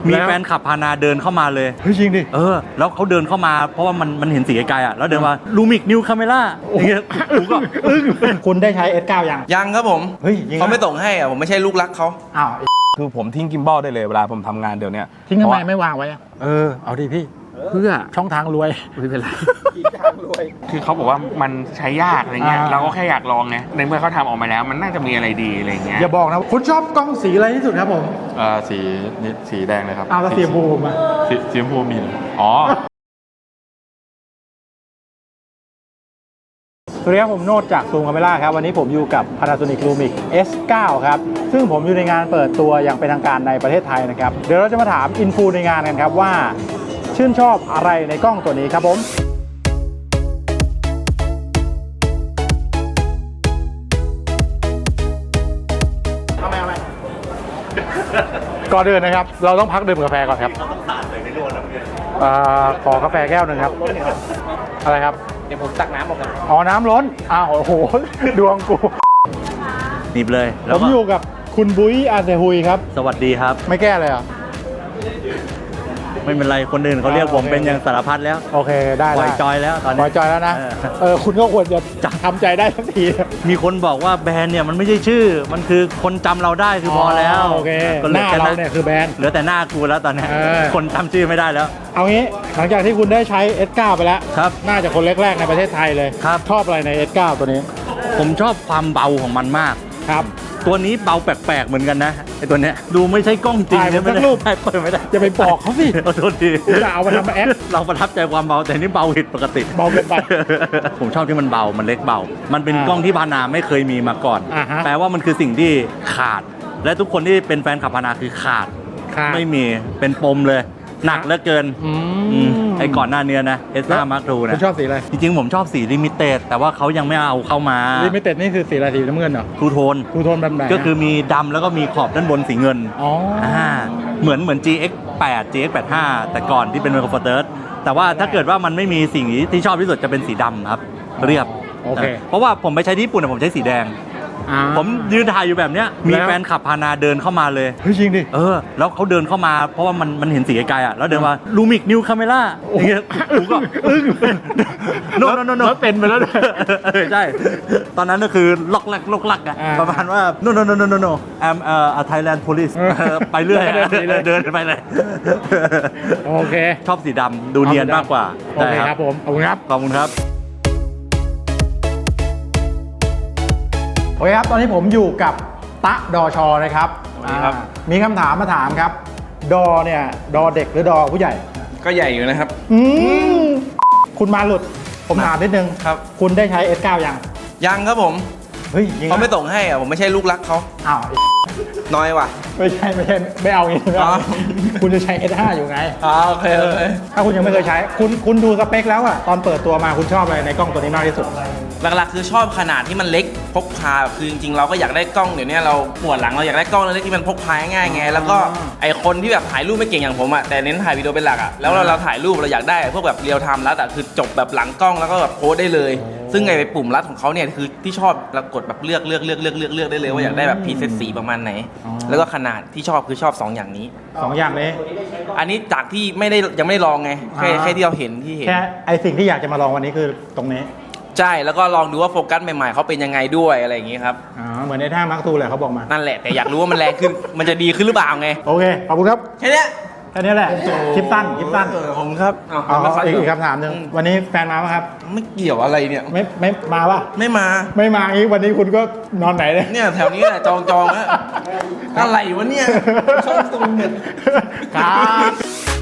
มีแฟนขับพานาเดินเข้ามาเลยเฮ้ยจริงดิแล้วเขาเดินเข้ามาเพราะว่ามันเห็นสีไกลๆอ่ะแล้วเดินมาลูมิกนิวคาเมล่าอย่างเงี้ยผมก็คุณได้ใช้ S9 ยังครับผมเฮ้ยเขาไม่ส่งให้อ่ะผมไม่ใช่ลูกรักเขาอ้าวคือผมทิ้งกิมบอลได้เลยเวลาผมทำงานเดี๋ยวนี้ทิ้งทำไมไม่วางไว้เอาดิพี่เพื่อช่องทางรวยไม่เป็นไรคือเขาบอกว่ามันใช้ยากอะไรเงี้ยเราก็แค่อยากลองไงในเมื่อเขาทำออกมาแล้วมันน่าจะมีอะไรดีอะไรเงี้ยอย่าบอกนะคุณชอบกล้องสีอะไรที่สุดครับผมสีแดงเลยครับแล้วสีชมพูมาสีชมพูมีอ๋อสวัสดีครับผมโนดจากซูมคาเมล่าครับวันนี้ผมอยู่กับ Panasonic Lumix S9 ครับซึ่งผมอยู่ในงานเปิดตัวอย่างเป็นทางการในประเทศไทยนะครับเดี๋ยวเราจะมาถามอินฟูในงานกันครับว่าชื่นชอบอะไรในกล้องตัวนี้ครับผมเอาไหมก่อนเดินนะครับเราต้องพักดื่มกาแฟก่อนครับขอกาแฟแก้วหนึ่งครับอะไรครับเดี๋ยวผมตักน้ำออกกันน้ำล้นโอ้โหดวงกูหนีบเลยผมอยู่กับคุณบุ้ยอาเซฮุยครับสวัสดีครับไม่แก้เลยเหรอไม่เป็นไรคนอื่นเขาเรียกผมเป็นอย่างสารพัดแล้วโอเคได้ปล่อยจอยแล้วตอนนี้ปล่อยจอยแล้วนะคุณก็ควรจะทำใจได้สักทีมีคนบอกว่าแบรนด์เนี่ยมันไม่ใช่ชื่อมันคือคนจำเราได้คือพอแล้วโอเคหน้าเราเนี่ยคือแบรนด์เหลือแต่หน้ากูแล้วตอนนี้คนจำชื่อไม่ได้แล้วเอางี้หลังจากที่คุณได้ใช้ S9 ไปแล้วครับน่าจะคนแรกๆในประเทศไทยเลยครับชอบอะไรใน S9 ตัวนี้ผมชอบความเบาของมันมากครับตัวนี้เบาแปลกๆเหมือนกันนะไอตัวเนี้ยดูไม่ใช่กล้องจริงเลยไม่ได้เปิดไม่ได้จะไปบอกเขาสิโทษทีจะเอามาทำแอคเราประทับใจความเบาแต่นี่เบาผิดปกติเบาเกินไปผมชอบที่มันเบามันเล็กเบามันเป็นกล้องที่พานาไม่เคยมีมาก่อนแปลว่ามันคือสิ่งที่ขาดและทุกคนที่เป็นแฟนขับพานาคือขาดไม่มีเป็นปมเลยหนักเหลือเกินไอ้ก่อนหน้านี้นะ S5 Mark II นะคุณชอบสีอะไรจริงๆผมชอบสีลิมิเต็ดแต่ว่าเขายังไม่เอาเข้ามาลิมิเต็ดนี่คือสีอะไรสีน้ำเงินเหรอทูโทนแบบไหนก็คือมีดำแล้วก็มีขอบด้านบนสีเงินเหมือน GX8 GX85 แต่ก่อนที่เป็น Micro Four Thirds แต่ว่าถ้าเกิดว่ามันไม่มีสิ่งที่ชอบที่สุดจะเป็นสีดำครับเรียบเพราะว่าผมไปใช้ที่ญี่ปุ่นผมใช้สีแดงผมยืนถ่ายอยู่แบบเนี้ยมีแฟนขับพานาเดินเข้ามาเลยเฮ้ยจริงดิแล้วเขาเดินเข้ามาเพราะว่ามันเห็นสีไกลๆอ่ะแล้วเดินมาลูมิกนิวคาเมล่าอย่างเงี้ยผมก็โนเป็นไปแล้วใช่ตอนนั้นก็คือล็อกลักอ่ะประมาณว่าโนI'm a Thailand police ไปเรื่อยเดินไปเลยโอเคชอบสีดำดูเนียนมากกว่าโอเคครับผมขอบคุณครับโอเคครับตอนนี้ผมอยู่กับตะดอชอนะครับมีคำถามมาถามครับดอเนี่ยดอเด็กหรือดอผู้ใหญ่ก็ใหญ่อยู่นะครับคุณมาหลุดผมถามนิดนึงครับคุณได้ใช้ S9 ยังครับผมเฮ้ยเขาไม่ส่งให้อ่ะผมไม่ใช่ลูกรักเขาน้อยว่ะไม่ใช่ไม่เอางี้คุณจะใช้ S5 อยู่ไงโอเคถ้าคุณยังไม่เคยใช้คุณดูสเปคแล้วอ่ะตอนเปิดตัวมาคุณชอบอะไรในกล้องตัวนี้มากที่สุดหลักๆคือชอบขนาดที่มันเล็กพกพาคือจริงๆเราก็อยากได้กล้องเดี๋ยวนี้เราปวดหลังเราอยากได้กล้องเล็กที่มันพกพาง่ายไงแล้วก็ไอคนที่แบบถ่ายรูปไม่เก่งอย่างผมอ่ะแต่เน้นถ่ายวิดีโอเป็นหลักอ่ะแล้วเราถ่ายรูปเราอยากได้พวกแบบเรียลไทม์แล้วแต่คือจบแบบหลังกล้องแล้วก็แบบโพสได้เลยซึ่งไอปุ่มลัดของเขาเนี่ยคือที่ชอบเรากดแบบเลือกได้เลยว่าอยากได้แบบพรีเซตสีประมาณไหนแล้วก็ขนาดที่ชอบคือชอบ2อย่างนี้ 2อย่างนี้อันนี้จากที่ยังไม่ได้ลองไงแค่ที่เราเห็นแค่ไอสิ่งที่อยากจะมาลองวันนี้คือตรงนี้ใช่แล้วก็ลองดูว่าโฟกัสใหม่ๆเขาเป็นยังไงด้วยอะไรอย่างงี้ครับเหมือนในท่ามาร์คทูแหละเขาบอกมานั่นแหละแต่อยากรู้ว่ามันแรงขึ้นมันจะดีขึ้นหรือเปล่าไงโอเคขอบคุณครับแค่นี้แหละคลิปสั้นผมครับอีกคำถามหนึ่งวันนี้แฟนมาไหมครับไม่เกี่ยวอะไรเนี่ยไม่มาป่ะไม่มาอีกวันนี้คุณก็นอนไหนเนี่ยแถวนี้แหละจองแล้วอะไรวะเนี่ยช่องตรงเนี่ยครับ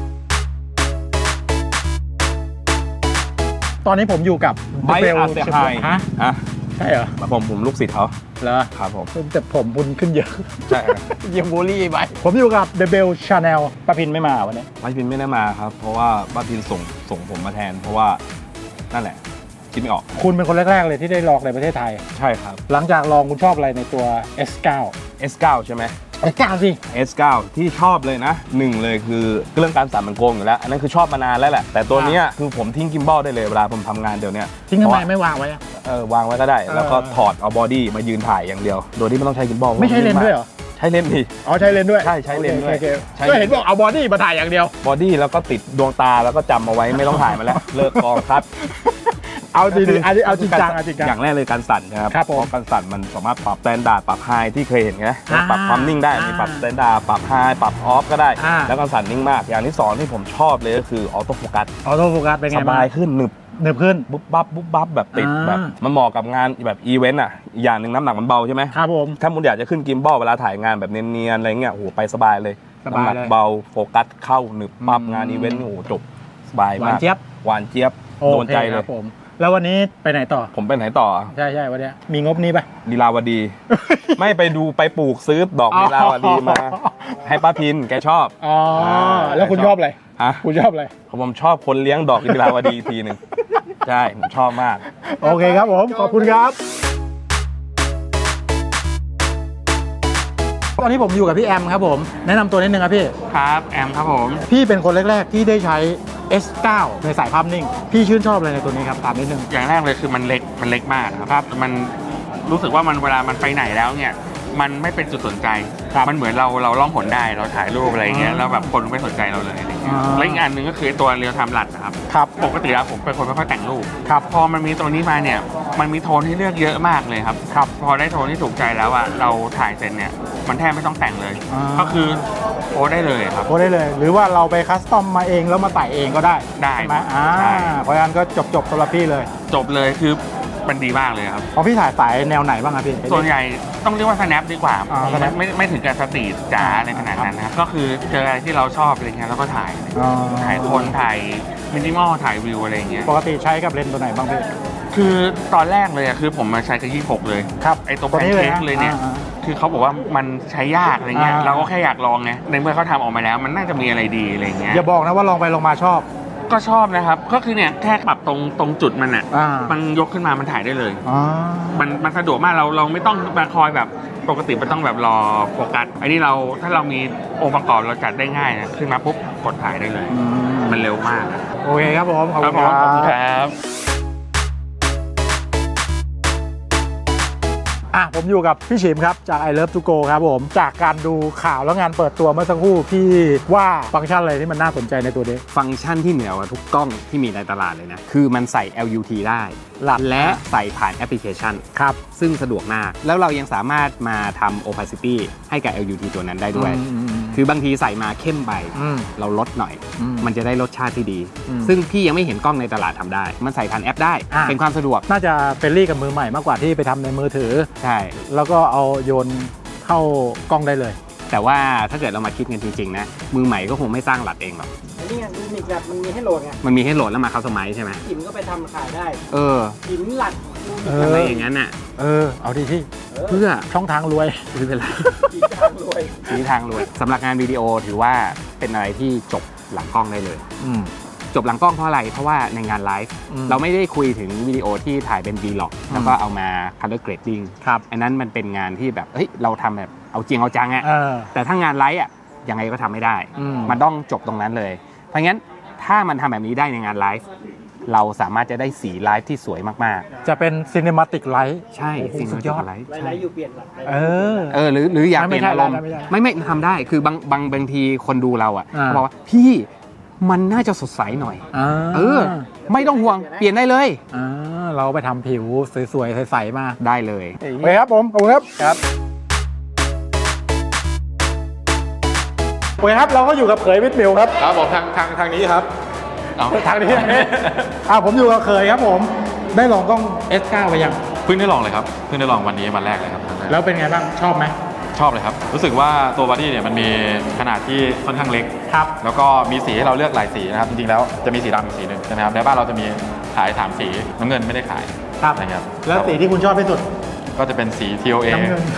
ตอนนี้ผมอยู่กับไบอาร์เซไฮใช่เหรอผมลูกศิษย์เขาเหรอครับผมแต่ผมบุญขึ้นเยอะใช่ยังบูลลี่ไปผมอยู่กับเดเบลชาแนลป้าพินไม่มาวันนี้ป้าพินไม่ได้มาครับเพราะว่าป้าพินส่งผมมาแทนเพราะว่านั่นแหละคิดไม่ออกคุณเป็นคนแรกๆเลยที่ได้ลองในประเทศไทยใช่ครับหลังจากลองคุณชอบอะไรในตัว S9 ใช่ไหม S9 สิ S9 ที่ชอบเลยนะ1เลยคือเรื่องการสั่นมันโกงอยู่แล้วอันนั้นคือชอบมานานแล้วแหละแต่ตัวนี้คือผมทิ้งกิมบอลได้เลยเวลาผมทำงานเดี๋ยวนี้ทิ้งทำไมไม่วางไว้วางไว้ก็ได้แล้วก็ถอดเอาบอดี้มายืนถ่ายอย่างเดียวโดยที่ไม่ต้องใช้กิมบอลไม่ใช้เลนส์ด้วยเหรอใช้เลนส์ดิอ๋อใช้เลนส์ด้วยใช่ใช้เลนส์ด้วยโอเคใช้ก็เห็นบอกเอาบอดี้มาถ่ายอย่างเดียวบอดี้แล้วก็ติดดวงตาแล้วก็จำเอาไว้ไม่ต้องถ่ายมาแล้ว เลิกกองครับเอาดีๆอันนี้เอาจริงจังเอาจริงจังอย่างแรกเลยการสั่นนะครับครับผมเพราะการสั่นมันสามารถปรับสแตนดาร์ดปรับไฮที่เคยเห็นไงอ่าปรับความนิ่งได้มีปรับสแตนดาร์ดปรับไฮปรับออฟก็ได้อ่าแล้วการสั่นนิ่งมากอย่างที่สองที่ผมชอบเลยก็คือออโต้โฟกัสออโต้โฟกัสเป็นไงสบายขึ้นหนึบหนึบขึ้นบุ๊บบับบุ๊บบับแบบติดอ่าแบบมันเหมาะกับงานแบบอีเวนต์อ่ะอีกอย่างหนึ่งน้ำหนักมันเบาใช่ไหมครับผมถ้ามุณอยากจะขึ้นกิมบอลเวลาถ่ายงานแบบเนียนๆอะไรเงี้ยโอ้โหไปสบายเลยสบายเลยน้ำหนักเบาโฟกัสเข้าหนึบปั๊บงานอีเวนต์โอ้โหจบสบายหวามาน กเจี๊ยบหวานเจี๊ยบโอโดนเคใจคเลรัยบผม แล้ววันนี้ไปไหนต่อผมไปไหนต่อใช่วันเนี้ยมีงบนี้ปะลีลาวดี ไม่ไปดูไปปลูกซื้อดอกลีลาวดีมา ให้ป้าพินแกชอบอ๋อแล้วคุณชอบอะไรฮะคุณชอบอะไรผมชอบคนเลี้ยงดอกลีลาวดีทีหนึ่งใช่ผมชอบมากโอเคครับผมขอบคุณครับ ตอนนี้ผมอยู่กับพี่แอมครับผมแนะนำตัวนิดนึงครับพี่ครับแอมครับผมพี่เป็นคนแรกๆที่ได้ใช้ S9 ในสายภาพนิ่ง พี่ชื่นชอบอะไรในตัวนี้ครับถามนิดนึงอย่างแรกเลยคือมันเล็กมากครับมันรู้สึกว่ามันเวลามันไปไหนแล้วเนี่ยมันไม่เป็นจุดสนใจครับมันเหมือนเราล่องหนได้เราถ่ายรูปอะไรเงี้ยอ่าแล้วแบบคนไม่สนใจเราเลยอะไรเงี้ยอ่าและอีกอันหนึ่งก็คือตัวเรียลไทม์รัดนะครับครับปกติแล้วผมเป็นคนไม่ค่อยแต่งรูปครับพอมันมีตัวนี้มาเนี่ยมันมีโทนให้เลือกเยอะมากเลยครับครับพอได้โทนที่ถูกใจแล้วอะเราถ่ายเสร็จเนี่ยมันแทบไม่ต้องแต่งเลยอ่าก็คือโพสได้เลยครับโพสได้เลย หรือว่าเราไปคัสตอมมาเองแล้วมาใส่เองก็ได้ได้ใช่ไหมใช่เพราะฉะนั้นก็จบสำหรับพี่เลยจบเลยคือมันดีมากเลยครับของพี่ถ่ายสายแนวไหนบ้างครับพี่ส่วนใหญ่ต้องเรียกว่า snap ดีกว่า snap ไม่ถึงกับสตรีทจ๋าอะไรขนาดนั้นนะครับก็คือเจออะไรที่เราชอบอะไรเงี้ยแล้วก็ถ่ายอ๋อถ่ายคนถ่ายมินิมอลถ่ายวิวอะไรเงี้ยปกติใช้กับเลนส์ตัวไหนบ้างพี่คือตอนแรกเลยอะคือผมมาใช้กับ26เลยครับไอตัวตัวแพนนี้เลยเค้กนะเลยเนี่ยอ่าคือเขาบอกว่ามันใช้ยากอะไรเงี้ยอ่าเราก็แค่อยากลองไงในเมื่อเขาทำออกมาแล้ว มันน่าจะมีอะไรดีอะไรเงี้ยอย่าบอกนะว่าลองไปลองมาชอบก็ชอบนะครับก็คือเนี่ยแค่ปรับตรงจุดมันอะอ่ามันยกขึ้นมามันถ่ายได้เลยอ๋อมันสะดวกมากเราไม่ต้องมาคอยแบบปกติมันต้องแบบรอโฟกัสอันนี้เราถ้าเรามีองค์ประกอบเราจัดได้ง่ายนะขึ้นมาปุ๊บกดถ่ายได้เลย มันเร็วมากอะโอเคครับผมขอบคุณผมขอบคุณคครับ รับผมอยู่กับพี่ชิมครับจาก I Love to Go ครับผมจากการดูข่าวแล้วงานเปิดตัวเมื่อสักครู่พี่ว่าฟังก์ชันอะไรที่มันน่าสนใจในตัวนี้ฟังก์ชันที่เหนือกว่าทุกกล้องที่มีในตลาดเลยนะ คือมันใส่ LUT ได้และใส่ผ่านแอปพลิเคชันครับซึ่งสะดวกมาก แล้วเรายังสามารถมาทำ opacity ให้กับ LUT ตัวนั้นได้ด้วย คือบางทีใส่มาเข้มไปอืมเราลดหน่อยอืมมันจะได้รสชาติที่ดีอืมซึ่งพี่ยังไม่เห็นกล้องในตลาดทำได้ มันใส่ผ่านแอปได้อ่าเป็นความสะดวกน่าจะเฟรนลี่กับมือใหม่มากกว่าที่ไปทำในมือถือใช่แล้วก็เอาโยนเข้ากล้องได้เลยแต่ว่าถ้าเกิดเรามาคิดกันจริงๆนะ มือใหม่ก็คงไม่สร้างหลัดเองหรอกนี่ไงดูมิกแบบมันมีให้โหลดไงมันมีให้โหลดแล้วมาคัสตอมไมซ์ใช่ไหมหินก็ไปทำขายได้เออหินหลักดูมิกอะไรอย่างนั้นน่ะเอาดีที่เพื่อช่องทางรวยไม่เป็นไรหินทางรวยชี้ทางรวยสำหรับงานวิดีโอถือว่าเป็นอะไรที่จบหลังกล้องได้เลย จบหลังกล้องเพราะอะไร เพราะว่าในงานไลฟ์อืมเราไม่ได้คุยถึงวิดีโอที่ถ่ายเป็น Vlog แล้วก็เอามา color grading ครับอันนั้นมันเป็นงานที่แบบเฮ้ยเราทำแบบเอาจริงเอาจังอะเออแต่ถ้างานไลฟ์อะยังไงก็ทำไม่ได้อืมมันต้องจบตรงนั้นเลย เพราะงั้นถ้ามันทำแบบนี้ได้ในงานไลฟ์เราสามารถจะได้สีไลฟ์ที่สวยมากจะเป็นซีนิมาติกไลท์ๆ ใช่โอ้โหสิ่งสุดยอดไลฟ์ไลท์อยู่เปลี่ยนหลักได้เออหรืออยากไม่เปลี่ยนใช่อารมณ์ไม่ใช่ไม่ทำได้คือบางทีคนดูเราอ่ะอ่าเขาบอกว่าพี่มันน่าจะสดใสหน่อย ไม่ต้องห่วงเปลี่ยนได้เลยเราไปทำผิวสวยๆใสๆมาได้เลยโอเคครับผมขอบคุณครับครับโอเคครับเราก็อยู่กับเขยวิทย์มิวครับครับผมทางนี้ครับทางนี้ผมอยู่กับเขยครับผมได้ลองกล้อง S9 ไปยังเพิ่งได้ลองเลยครับเพิ่งได้ลองวันนี้วันแรกเลยครับแล้วเป็นไงบ้างชอบไหมชอบเลยครับรู้สึกว่าตัวบอดี้เนี่ยมันมีขนาดที่ค่อนข้างเล็กครับแล้วก็มีสีให้เราเลือกหลายสีนะครับจริงๆแล้วจะมีสีดำอีกสีหนึ่งใช่ไหมครับในบ้านเราจะมีขาย3สีน้ำเงินไม่ได้ขายครับนะครับแล้วสีที่คุณชอบที่สุดก็จะเป็นสี TOA น้ำเงิน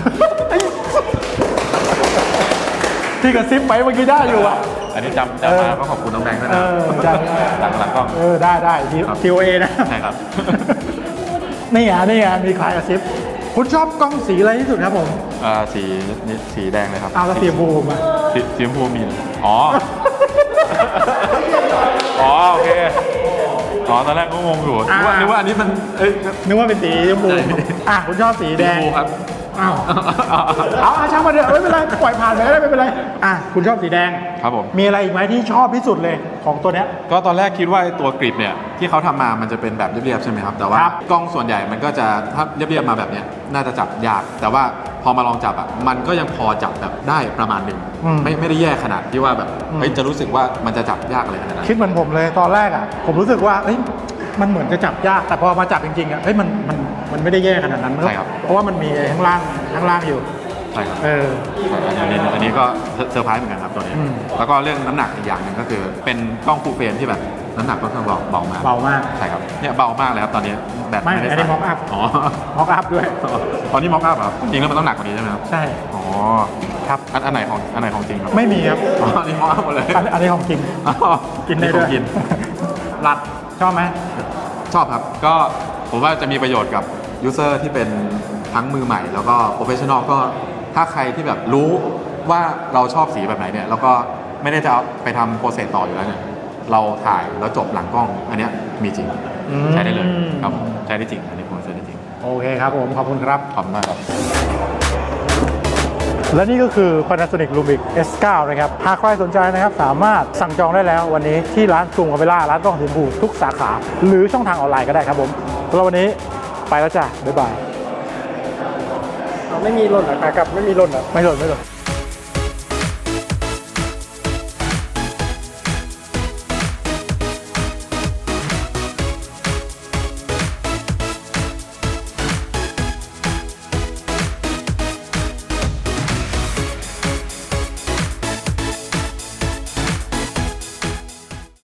ที่กระซิบไปเมื่อกี้ได้อยู่อ่ะอันนี้จำมาก็ขอบคุณน้องแดงด้วยนะใช่หลังกล้องได้ TOA นะใช่ครับนี่ไงมีใครกระซิบคุณชอบกล้องสีอะไรที่สุดครับผมสีแดงเลยครับเอาแล้วสีชมพูมาสีชมพูมีอ๋อ โอเคตอนแรกก็งงอยู่นึกว่าอันนี้มันนึกว่าเป็นสีชมพูคุณชอบสีแดงชมพูครับอ้าวเอาช่างมาเถอะไม่เป็นไรปล่อยผ่านไปก็ได้ไม่เป็นไรคุณชอบสีแดงครับผมมีอะไรอีกไหมที่ชอบที่สุดเลยของตัวเนี้ยก็ตอนแรกคิดว่าไอ้ตัวกริปเนี่ยที่เขาทำมามันจะเป็นแบบเรียบๆใช่ไหมครับแต่ว่าครับกล้องส่วนใหญ่มันก็จะถ้าเรียบๆมาแบบเนี้ยน่าจะจับยาก แต่ว่าพอมาลองจับอ่ะมันก็ยังพอจับแบบได้ประมาณหนึ่งไม่ได้แย่ขนาดที่ว่าแบบเฮ้ยจะรู้สึกว่ามันจะจับยากอะไรขนาดนั้นคิดเหมือนผมเลยตอนแรกผมรู้สึกว่ามันเหมือนจะจับยากแต่พอมาจับจริงๆมันไม่ได้แย่ขนาดนั้นใช่ครับเพราะว่ามันมีข้างล่างอยู่ใช่ครับอัอันนี้ก็เซอร์ไพรส์เหมือนกันครับตัวนี้ แล้วก็เรื่องน้ำหนักอีกอย่างหนึ่งก็คือเป็นกล้องฟูลเฟรมที่แบบน้ำหนักค่อนข้างเบามากเบามากใช่ครับเนี่ยเบามากเลยครับตอนนี้แบตไม่ได้อันนี้ใส่ mock up อ๋อมอกอัพด้วยตอนนี้ม็อกอัพครับจริงแล้วมันต้องหนักกว่านี้ใช่ไหมครับใช่อ๋อครับอันไหนของจริงครับไม่มีครับอ๋ออันนี้ม็อกอัพหมดเลยอันนี้ของจริงอ๋อกินได้ด้วยของกินรัดชอบไหมชอบครับก็ผมว่าจะมีประโยชน์กับยูเซอร์ที่เป็นทั้งมือใหม่ แล้วก็โปรเฟชชั่นอลก็ถ้าใครที่แบบรู้ว่าเราชอบสีแบบไหนเนี่ยแล้วก็ไม่ได้จะเอาไปทำโปรเซสต่ออยู่แล้วเนี่ยเราถ่ายแล้วจบหลังกล้องอันเนี้ยมีจริงใช้ได้เลยครับผมใช้ได้จริงอันนี้ผมใช้ได้จริงโอเคครับผมขอบคุณครับขอบคุณมากครับและนี่ก็คือ Panasonic Lumix S9 นะครับหากใครสนใจนะครับสามารถสั่งจองได้แล้ววันนี้ที่ร้านซูมคาเมล่าร้านกล้องสีชมพูทุกสาขา หรือช่องทางออนไลน์ก็ได้ครับผมสำหรับวันนี้ไปแล้วจ้ะบ๊ายบายไม่มีหล่นเหรอครับไม่มีหล่นเหรอไม่หล่น